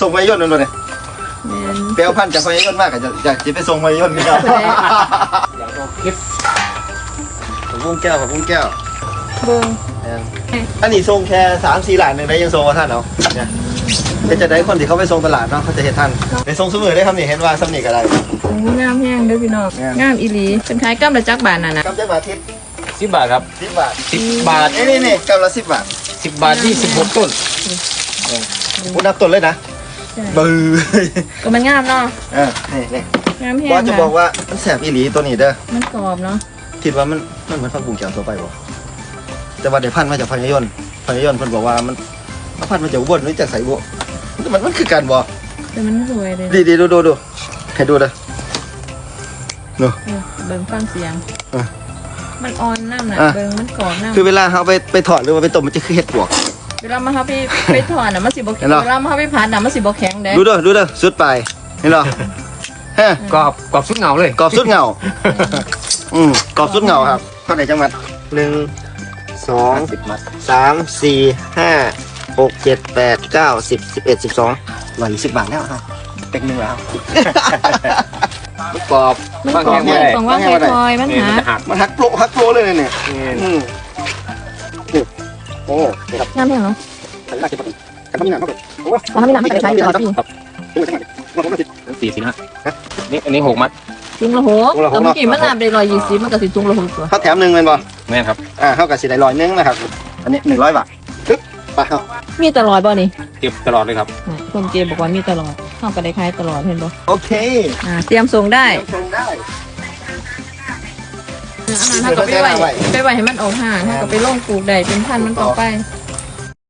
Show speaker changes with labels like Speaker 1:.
Speaker 1: ส่งไว้ย่นนั่นเลยเปลวพันจากไฟย่นมากอยากจะไปส่งไฟย่นนี่ครับอยากเอาคลิปผมวุ้งแก้วผมวุ้งแก้ว
Speaker 2: เบิ้ง
Speaker 1: อันนี้ส่งแค่3-4 หลานหนึ่งได้ยังส่งมาท่านเนาะเนี่ยเป็นจะได้คนที่เขาไปส่งตลาดเนาะเขาจะเห็นท่านในส่งสมือได้ครับนี่เห็นว่าสำนีอะไร
Speaker 2: งามแห้งเด้อพี่น้องงามอีหลีเป็นขายกำละจักบาทน่ะนะ
Speaker 1: กำจักบาททิพย์
Speaker 3: 10 บาทครับ
Speaker 1: 10 บาท
Speaker 3: 10 บาท
Speaker 1: นี่กำละ10 บาท
Speaker 3: 10 บาท26 ต้น
Speaker 1: พูดนับต้นเลยนะบื้อ
Speaker 2: ก็มันงามเนาะ
Speaker 1: นี่
Speaker 2: งามแห้ง
Speaker 1: ว่าจะบอกว่ามันแสบอีหลีตัวนี้เด้อ
Speaker 2: มันกรอบเนาะ
Speaker 1: คิดว่ามันเหมือนผักบุ้งแก้วทั่วไปบ่แต่ว่าเดี๋ยวพันมาจากพญายนเพิ่นบอกว่ามันพันมาจากอุบลหรือจากไสบ่มันคือการบ่
Speaker 2: แต่มันสวยเลย
Speaker 1: ดีดูให้ดูเด้อเนาะ
Speaker 2: เบิ่งฟังเสียงมันอ่อนน้ำน่ะเบิ่งมันกรอบน้ำ
Speaker 1: คือเวลาเขาไปถอดหรือว่าไปต้มมันจะคือเห็ดปวก
Speaker 2: เวลามาเขาไปถอดน่ะมันสิบ่แข็งเวลามาเขาไปผัดน่ะมันสิบ่แข็งเด้
Speaker 1: ดูเด้อสุดไปเห็นหร
Speaker 3: กรอบสุดเงาเลย
Speaker 1: กรอบสุดเงากรอบสุดเงาครับเท่าไหร่จังหวัด1 2 3 4 5 6 7 8 9 10 11 12 120 บาทแล้วครับเป็กนึงแล้ว
Speaker 3: กรอบ
Speaker 2: มันกรอบของว่าคอยมัน
Speaker 1: หักโปรเลยเนี่ยโอ้ครับ
Speaker 2: งามแห้งเนาะ
Speaker 1: กันมีหนังเท่าไหร่
Speaker 2: มันมีหนังมันจะใช้เดือนละปี
Speaker 3: 40 นะนี่อันนี้6 มัด
Speaker 2: จุงละ6แต่เมื่อกี้มันน้ำได้120มันก็สิจุงละ6ตัว
Speaker 1: เขาแถม1แม่นบ่
Speaker 3: แม่นครับ
Speaker 1: เขาก็สิได้100นึงนะครับอันนี้100 บาทปึ๊บไปเฮา
Speaker 2: มีตลอดบ่นี่
Speaker 3: เก็บตลอดเลยครับ
Speaker 2: คนเจบอกว่ามีตลอดเฮาก็ได้ขายตลอดเห็นบ่
Speaker 1: โอเค
Speaker 2: เตรียมส่งได้อาหารเฮาก็ไปไว้ให้มันออกห่างเฮาก็ไปลงปลูกได้เป็นพันธุ์มันต่อไป